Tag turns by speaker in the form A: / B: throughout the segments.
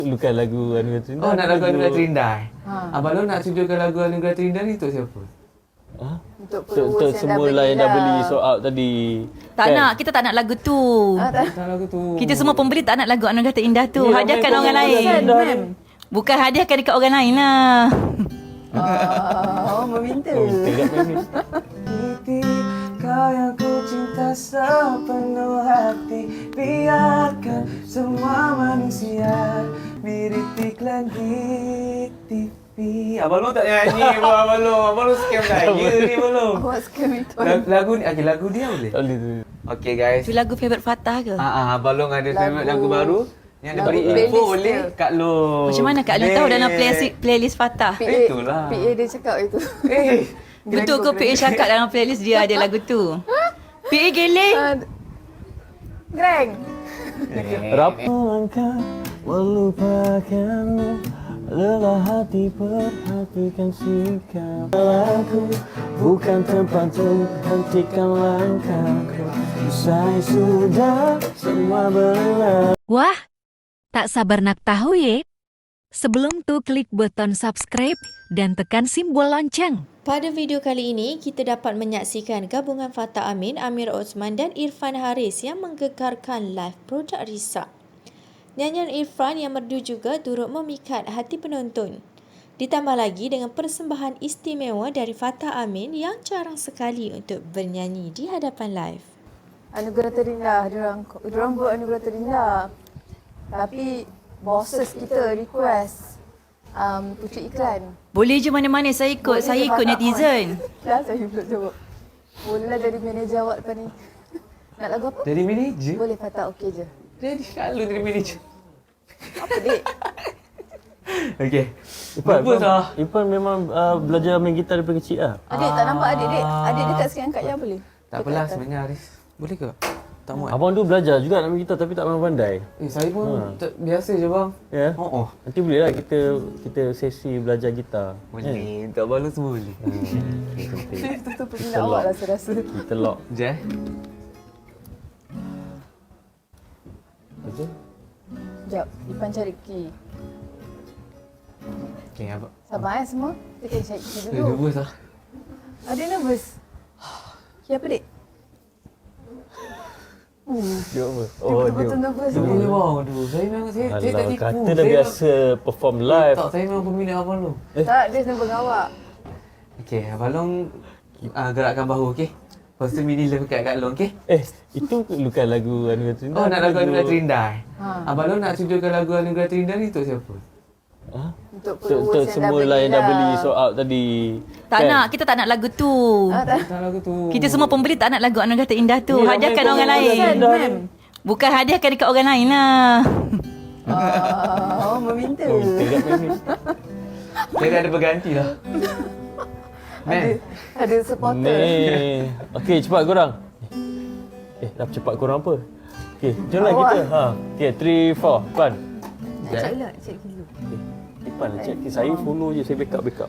A: Lukan lagu Anugerah Terindah.
B: Oh, nak lagu Anugerah Terindah. Abang Long nak tujukan lagu Anugerah Terindah ni untuk siapa?
A: Untuk semua yang dah beli sold out tadi.
C: Tak nak, kita tak nak lagu tu.
B: Tak lagu tu.
C: Kita semua pembeli tak nak lagu Anugerah Terindah tu.
A: Ya,
C: Hadiahkan
A: ramai
C: orang lain. Bukan hadiahkan dekat orang lain lah.
D: Meminta.
B: Kau yang ku cinta sepenuh hati, biarkan semua manusia mirip iklan di TV. Abang Long tak nyanyi pun, Abang Long scam saya ni Abang Long.
D: Awak scam itu.
B: Lagu ni, okay, lagu dia boleh?
A: Boleh.
B: Okay guys.
C: Itu lagu favourite Fatah ke?
B: Abang Long ada favourite lagu baru yang dia beri info boleh Kak Long.
C: Macam mana Kak Lu tahu dalam playlist Fatah?
B: Itulah.
D: PA dia cakap itu.
C: Betul ke PA cakap dalam playlist dia ada lagu tu? PA geleng.
D: Greng.
A: Rapuh langkah melupakanmu, lelah hati perhatikan sikap. Aku bukan tempat untuk hentikan langkahku. Usai sudah semua berlalu.
E: Wah, tak sabar nak tahu ye? Sebelum tu klik button subscribe dan tekan simbol lonceng.
F: Pada video kali ini, kita dapat menyaksikan gabungan Fatah Amin, Amir Osman dan Irfan Haris yang menggegarkan live produk Risa. Nyanyian Irfan yang merdu juga turut memikat hati penonton. Ditambah lagi dengan persembahan istimewa dari Fatah Amin yang jarang sekali untuk bernyanyi di hadapan live.
D: Anugerah Terindah, diorang buat Anugerah Terindah. Tapi bosses kita request pucuk iklan.
C: Boleh je mana-mana saya ikut.
D: Boleh
C: Saya ikut netizen.
D: Dah saya pula jawab. Bolehlah jadi manager awak lepas ni. Nak lagu apa?
B: Jadi manager?
D: Boleh Fatah, okey je.
B: Jadi kalau jadi manager.
D: Apa dik?
B: Okey.
A: Ipan memang belajar main gitar daripada kecil lah.
D: Adik tak nampak adik dek? Adik dekat sikit angkat ya boleh?
B: Tak apalah sebenarnya Haris. Boleh ke? Tak muat.
A: Abang tu belajar juga nak main gitar tapi tak memang pandai.
B: Saya pun biasa je bang.
A: Ya?
B: Oh.
A: Nanti boleh lah kita sesi belajar gitar.
B: Boleh. Tak malu semua boleh.
D: Itu peminat awak lah saya rasa.
A: Kita lock.
B: Je.
A: Okey.
D: Sekejap, Ipan cari key.
B: Okey, abang.
D: Sabar semua. Kita kena cari key dulu.
B: Nervous lah.
D: Adik nervous? Key apa dek?
A: Dia apa?
D: Dia betul-betul nervous
B: Dia
D: ni.
B: boleh bang. Aduh, saya memang saya tak tipu.
A: Kata dah biasa perform live.
B: Tak, saya memang peminat Abang Long.
D: Tak, dia senang awak.
B: Okey, Abang Long gerakkan bahu, okey? Lepas tu mini love kat Kak Long, okey?
A: Itu lukan lagu Anugerah Terindah.
B: Oh, nak lagu Anugerah Terindah. Abang Long nak tujukan lagu Anugerah Terindah ni untuk siapa?
A: Untuk semua yang dah beli sold out tadi.
C: Tak nak, kita tak nak lagu tu.
B: Tak lagu tu.
C: Kita semua pembeli tak nak lagu Anugerah Terindah tu.
A: Ya,
C: Hadiahkan
A: ramai
C: orang lain. Bukan hadiahkan dekat orang lain lah.
D: Meminta.
B: Saya dah ada berganti lah.
D: Ada supporter.
A: Ni. Okey, cepat korang. Dah cepat korang apa? Okey, jomlah kita. Okey, 3 4 Pan.
D: Nak check lah, check dulu.
A: Ipan check. Saya follow je, saya backup.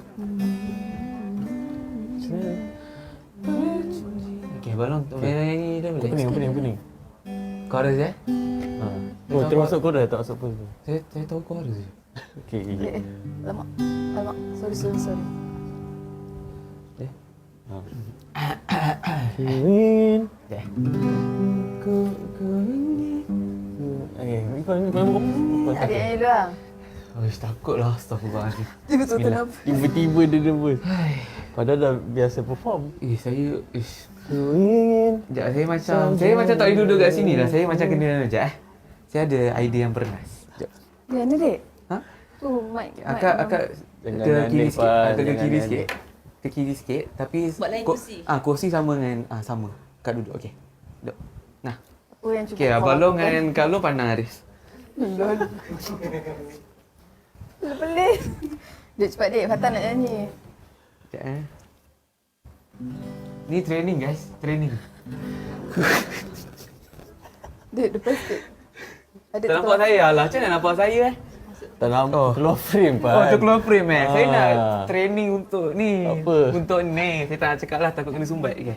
B: Okey, Abang Long nyanyi dah boleh?
A: Pening.
B: Chorus eh?
A: Oh, termasuk korang tak masuk pun.
B: Saya tahu chorus je.
A: Okey.
D: Alamak. Sorry.
A: Win.
D: Adik nyanyi dulu lah.
B: Takutlah, astagfirullahaladzim.
D: Betul-betul nervous.
A: Tiba-tiba dia nervous. Padahal dah biasa perform.
B: Saya
A: Win.
B: Sekejap, saya macam tak boleh duduk kat sini lah. Saya macam kena sekejap Saya ada idea yang bernas. Sekejap.
D: Di mana dek?
B: Ha?
D: Tu mic.
B: Akak
A: Jangan
B: ke kiri
A: adik,
B: sikit.
A: Pan.
B: Akak ke
A: Jangan
B: kiri
A: adik.
B: sikit. Ke kiri sikit tapi
C: Buat lain kursi.
B: kursi sama dengan sama. Kak duduk okey. Duduk. Nah.
D: Oh yang cuba.
B: Okey, Abang Long dengan Kak Long pandang Haris.
D: Lol. Pelik. Dek cepat dek, Fatah nak nyanyi.
B: Sekejap Ni training guys, training.
D: Dek depan sikit. Adik
B: Tak nampak saya lah. Macam mana nampak saya
A: Tak nampak. Keluar frame, Pan.
B: Oh, tu keluar frame Saya nak training untuk ni.
A: Apa?
B: Untuk ni. Saya tak nak cakap lah, takut kena sumbat. Okay.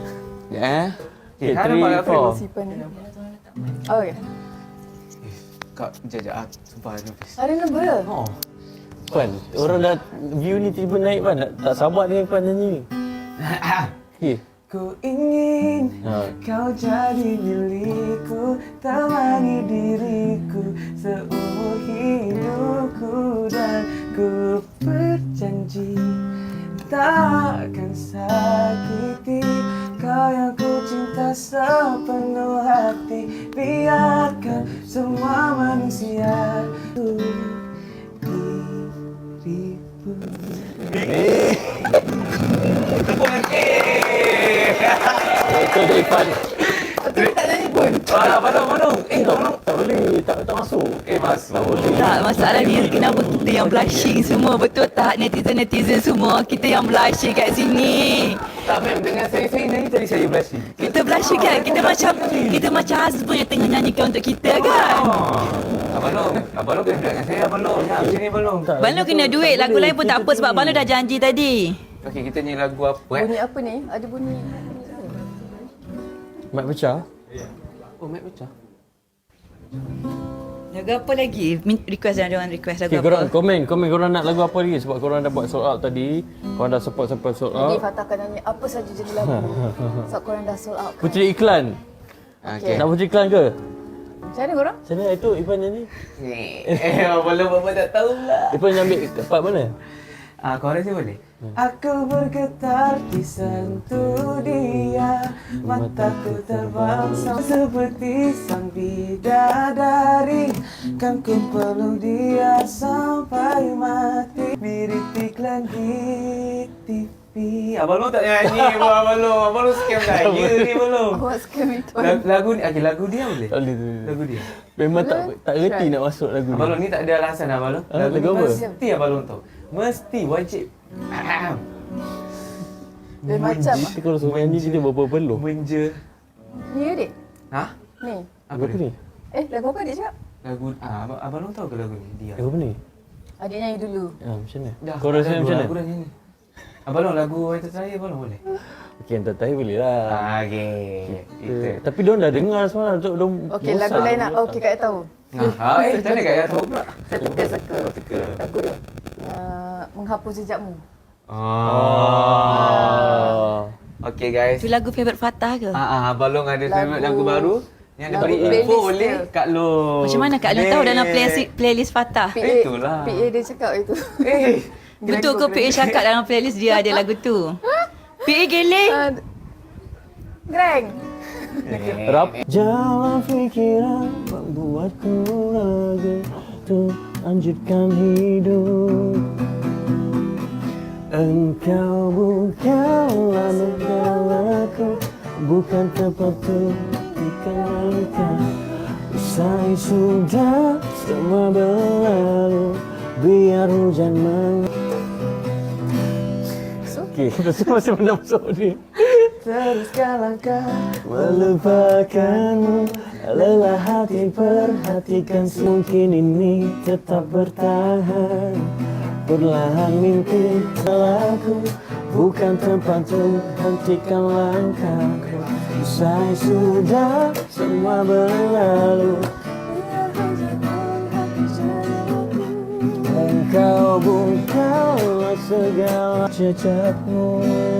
A: Ya.
B: Okay, sekarang nampak kat frame.
D: Sipan ni. Oh ya.
B: Kak, jajak sumpah nervous.
D: Ada number?
B: Oh.
A: Pan, orang dah view ni tiba naik Pan. Tak sabar dengan Pan nyanyi. Okay.
B: Ku ingin kau jadi milikku, temani diriku seumur hidupku, dan ku berjanji takkan sakiti kau yang ku cinta sepenuh hati. Biarkan semua manusia diriku.
A: Itu dari Pan.
D: Tak nyanyi pun.
B: Abang,
A: Tak boleh, tak masuk.
B: masuk.
C: Tak, masalah ni kenapa kita yang blushing semua, betul tak netizen-netizen semua? Kita yang blushing kat sini.
B: Tak, ma'am, dengan saya nyanyi tadi saya blushing.
C: Kita blushing kan? Kita macam husband yang tengah nyanyikan untuk kita kan?
B: Abang Long kena dengan saya, Abang Long. Macam ni, Abang Long.
C: Abang Long kena duit, lagu lain pun tak apa sebab Abang Long dah janji tadi.
B: Okey, kita nyanyi lagu apa
D: Bunyi apa ni? Ada bunyi.
A: Mic pecah.
B: Oh, mic pecah.
C: Lagu apa lagi? Request jangan request lagu
A: Okay,
C: apa?
A: korang komen korang nak lagu apa lagi sebab korang dah buat sold out tadi. Korang dah support sampai sold
D: Jadi
A: out.
D: Fatah akan nyanyi apa saja jenis lagu. Sebab korang dah sold out kan?
A: Puteri iklan.
B: Okey.
A: Nak puteri iklan ke?
D: Macam mana korang?
A: Macam mana itu Ipan nyanyi?
B: Abang Long apa tak tahu lah.
A: Ipan ambil part mana?
B: Kau rasa boleh? Aku bergetar di sentuh dia, mataku terbang seperti sang bidadari, kan ku peluk dia sampai mati. Mirip iklan di TV. Abang Long tak nyanyi, Abang Long scam saya ni, Abang Long.
D: Awak scam itu.
B: Lagu ni, lagu dia boleh?
A: Tak boleh.
B: Lagu dia.
A: Memang tak reti nak masuk lagu
B: Abang
A: ni.
B: Long ni tak ada alasan, Abang Long.
A: Lagu apa?
B: Mesti Abang Long tahu. Mesti wajib.
D: Dia macam
A: Kita kalau suruh nyanyi kita berpeluh.
B: Menja.
D: ni adik.
B: Hah?
D: Ni.
A: Apa ni?
D: Lagu apa adik cakap?
B: Lagu Abang Long tahu ke lagu ni? Dia.
A: Lagu apa ni?
D: Adik nyanyi dulu.
A: Macam mana?
B: Dah.
A: Kau rasa
B: lagu,
A: macam
B: Lagu
A: mana?
B: dah nyanyi. Abang Long lagu Wanita Saya Abang Long boleh?
A: Okey, entah tahu boleh lah.
B: Okey. Itu.
A: Tapi diorang dah dengar semalam. Diorang
D: Okey, lagu lain nak. Okey, Kak tahu.
B: Macam mana Kak Ya tahu pula?
D: Teka. Lagu dia. Menghapus jejakmu.
B: Okey guys.
C: Itu lagu favourite Fatah ke?
B: Abang Long ada favourite lagu baru. Yang dia
D: lagu
B: bagi
D: playlist
B: info boleh
D: dia.
B: Kak Long.
C: Macam mana Kak Long tahu dalam playlist Fatah?
B: Itulah.
D: PA dia cakap itu.
C: Betul ke PA cakap dalam playlist dia ada lagu tu? PA geleng.
D: Greng.
A: Rap. Jalan fikiran membuatku lagi untuk lanjutkan hidup. Engkau bukanlah negaraku, bukan tempatku ikan langkah. Usai sudah semua berlalu, biar hujan Okey, kita masih masuk ni.
B: Teruskan langkah
A: Melupakanmu, lelah hati perhatikan mungkin ini tetap bertahan. Perlahan mimpi salahku, bukan tempat untuk hentikan langkahku. Usai sudah semua berlalu, engkau bukanlah segala jejakmu.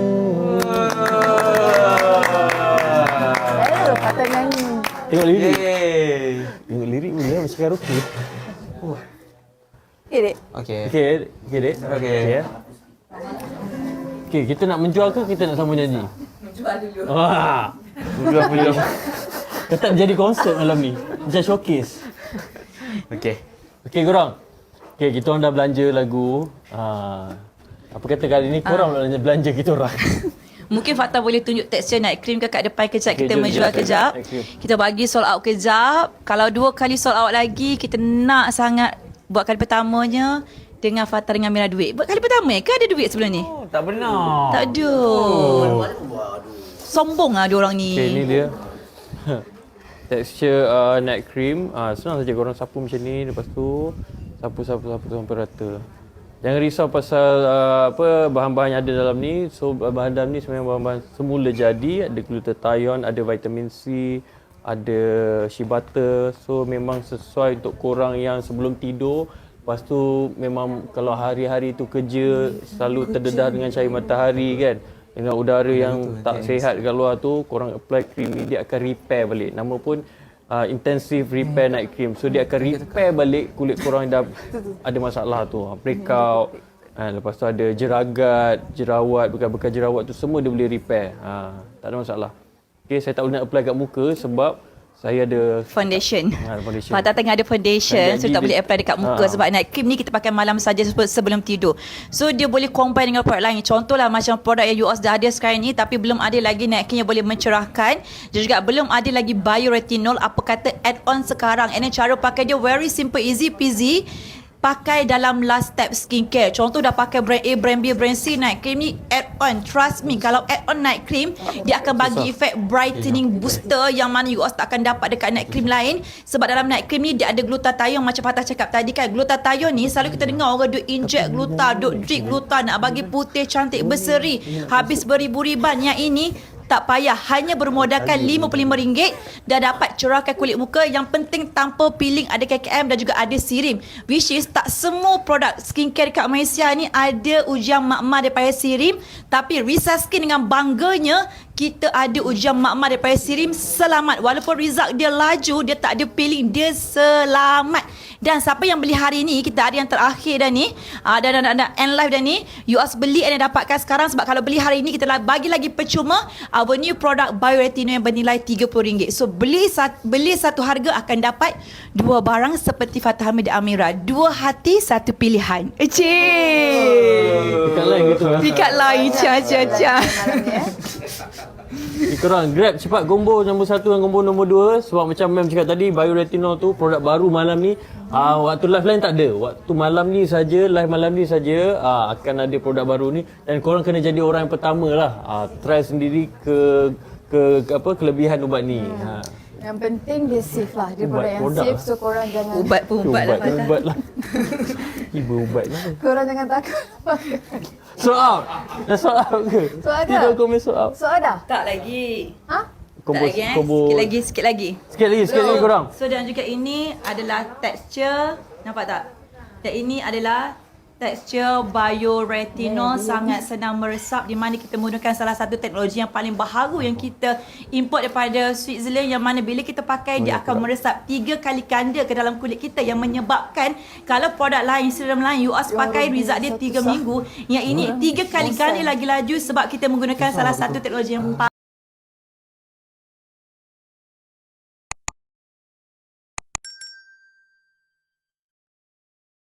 D: Fatah nyanyi.
A: Tengok lirik.
B: Yeay.
A: Tengok lirik pun dia macam karaoke.
D: Dek.
B: Okey.
A: Okey, Dek.
B: Okey.
A: Ya. Okey, kita nak menjual ke kita nak sama nyanyi? Menjual dulu. Wah. Menjual dulu. Kita tak jadi konsert malam ni. Macam showcase.
B: Okey.
A: Okey, korang. Okey, kita orang dah belanja lagu. Apa kata kali ni korang belanja kita orang.
C: Mungkin Fatah boleh tunjuk tekstur night cream ke kat depan kejap.
A: Okey,
C: Kita
A: jom
C: menjual
A: kita
C: kejap.
A: night cream.
C: Kita bagi sold out kejap. Kalau 2 kali sold out lagi, kita nak sangat buat kali pertamanya dengan Fatah dengan Mira duit. Buat kali pertama ke ada duit sebelum ni?
B: Oh, tak benar.
C: Tak ada. Sombong lah diorang ni.
A: Okey, ni dia. Tekstur night cream. Senang saja korang sapu macam ni. Lepas tu sapu sampai rata. Jangan risau pasal bahan-bahan yang ada dalam ni. So bahan dalam ni sebenarnya bahan-bahan semula jadi. Ada glutathione, ada vitamin C, ada shea butter. So memang sesuai untuk korang yang sebelum tidur. Lepas tu memang kalau hari-hari tu kerja selalu terdedah dengan cahaya matahari kan, dengan udara yang tak sihat kat luar tu, korang apply cream ni dia akan repair balik. Nama pun intensive repair night cream. So dia akan repair balik kulit korang yang dah ada masalah tu, breakout. Lepas tu ada jeragat, jerawat, bekas-bekas jerawat tu semua dia boleh repair. Tak ada masalah. Okay, saya tak boleh nak apply kat muka sebab saya ada
C: Foundation.
A: foundation.
C: Fatah tengah ada foundation, so tak boleh apply dekat muka sebab night cream ni kita pakai malam saja sebelum tidur. So dia boleh combine dengan produk lain. Contohlah macam produk yang you all dah ada sekarang ni tapi belum ada lagi night cream yang boleh mencerahkan. Dia juga belum ada lagi bioretinol, apa kata add-on sekarang. And then cara pakai dia very simple, easy peasy. Pakai dalam last step skincare. Contoh dah pakai brand A, brand B, brand C night cream ni add on. Trust me, kalau add on night cream, dia akan bagi efek brightening booster yang mana you all tak akan dapat dekat night cream lain. Sebab dalam night cream ni dia ada glutathione macam Fatah cakap tadi kan. Glutathione ni selalu kita dengar orang duk inject gluta, duk drink gluta nak bagi putih cantik berseri. Habis beribu-riban. Yang ini tak payah, hanya bermodalkan RM55 dah dapat cerahkan kulit muka. Yang penting tanpa peeling, ada KKM dan juga ada sirim. Which is tak semua produk skincare dekat Malaysia ni ada ujian makmal daripada sirim. Tapi Risa Skin dengan bangganya kita ada ujian makmal daripada sirim selamat. Walaupun result dia laju, dia tak ada peeling, dia selamat. Dan siapa yang beli hari ni, kita ada yang terakhir dah ni, dan end live dah ni, you all beli dan dapatkan sekarang. Sebab kalau beli hari ni kita bagi lagi percuma our new product bioretinol yang bernilai RM30. So beli satu harga akan dapat dua barang seperti Fatah Hamid dan Amira. Dua hati, satu pilihan.
A: Pikat lain gitu.
C: Pikat lain.
A: Korang grab cepat combo nombor 1 dan combo nombor 2. Sebab macam Mem cakap tadi, bioretinol tu produk baru malam ni. Waktu live lain tak ada. Waktu malam ni saja, live malam ni saja akan ada produk baru ni. Dan korang kena jadi orang yang pertama lah. Try sendiri kelebihan ubat ni.
D: Yang penting dia safe lah. Dia
A: Ubat,
D: produk yang
A: produk
D: safe,
A: lah.
D: so korang jangan
C: Ubat lah Fatah.
A: Ubat lah. Ibu ubat lah.
D: korang jangan takut.
A: Sold out. Dah sold out ke?
D: Sold out
A: Kita
D: dah?
A: komen sold out.
D: So ada?
C: Tak lagi.
D: Ha?
A: Combo,
C: Tak lagi
A: combo.
C: Sikit lagi.
A: Sikit lagi korang.
C: So dan juga ini adalah texture, nampak tak? Dan ini adalah tekstur bioretinol, sangat senang meresap, di mana kita menggunakan salah satu teknologi yang paling baharu yang kita import daripada Switzerland, yang mana bila kita pakai dia akan meresap 3 kali ganda ke dalam kulit kita, yang menyebabkan kalau produk lain, serum lain you all pakai result dia 3 minggu, yang ini 3 kali ganda lagi laju sebab kita menggunakan salah satu teknologi yang